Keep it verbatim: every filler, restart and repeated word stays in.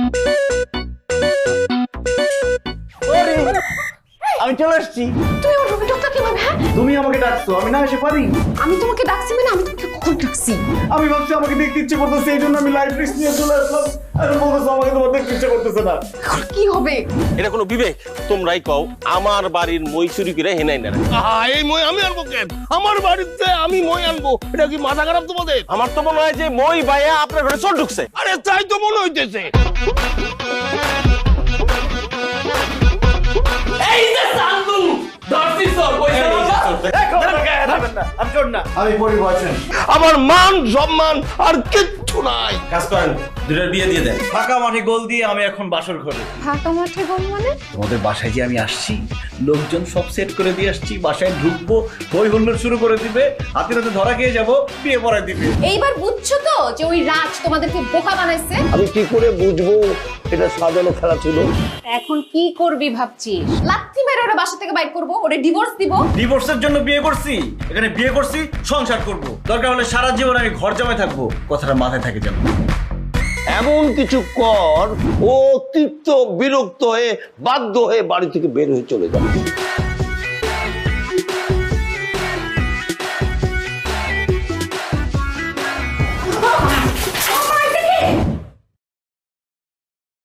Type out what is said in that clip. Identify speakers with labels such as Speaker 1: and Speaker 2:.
Speaker 1: আমি চলে আসছি।
Speaker 2: তুই আমার রুমে ঢুকতে কিভাবে? হ্যাঁ,
Speaker 1: তুমি আমাকে ডাকছো, আমি না এসে পারি?
Speaker 2: আমি তোমাকে ডাকছি মানে আমি তোমাকে কখন ডাকছি?
Speaker 1: আমি ভাবছি আমাকে দেখতে ইচ্ছে করতেছে, এই জন্য আমি লাইফ রিস্ক নিয়ে চলে আসলাম। আর বলতেছো আমাকে তোমার দেখতে ইচ্ছে করতেছে না।
Speaker 2: কি হবে?
Speaker 3: এটা কোনো বিবেক? তোমরাই কও, আমার বাড়ির মই চুরি করে হেনাই না।
Speaker 4: এই মই আমি আনবো কেন? আমার বাড়িতে আমি মই আনবো, এটা কি মাথা খারাপ তোমাদের?
Speaker 3: আমার তো মনে হয় যে মই বাইয়া আপনার ঘরে চোর ঢুকছে।
Speaker 4: আরে তাই তো মনে হইতেছে।
Speaker 5: এই যে চান্দু ধরছি চোর, কইছে বাবা
Speaker 1: আমি চোর না, আমি পরিবর্তন।
Speaker 4: আমার মান সম্মান আর কিচ্ছু নাই।
Speaker 3: কাজ করেন, দুটোর বিয়ে দিয়ে দেন।
Speaker 1: ফাঁকা মাঠে গোল দিয়ে আমি এখন বাসর ঘরে।
Speaker 2: ফাঁকা মাঠে গোল মানে?
Speaker 1: তোমাদের বাসায় যে আমি আসছি, লোকজন সব সেট করে দিয়ে আসছি, বাসায় ঢুকবো, হই হুল্লোড় শুরু করে দিবে, হাতে হাতে ধরা খেয়ে যাবো, বিয়ে পড়ায় দিবে।
Speaker 2: এইবার বুঝছো তো যে ওই রাজ তোমাদেরকে বোকা বানাইছে?
Speaker 4: আমি কি করে বুঝবো এটা সাজানো খেলা ছিল?
Speaker 2: এখন কি করবি ভাবছিস? লাথি মেরে ওরা বাসা থেকে বাইর করবো, ওরে ডিভোর্স দিব।
Speaker 1: ডিভোর্সের জন্য বিয়ে করছি, এখানে বিয়ে করছি সংসার করব, দরকার হলে সারা জীবন আমি ঘর জামাই থাকবো, কথাটা মাথায় থাকে যেন।
Speaker 4: এমন কিছু কর ও অতিরিক্ত বিরক্ত হয়ে বাধ্য হয়ে বাড়ি থেকে বের হয়ে চলে যাবে।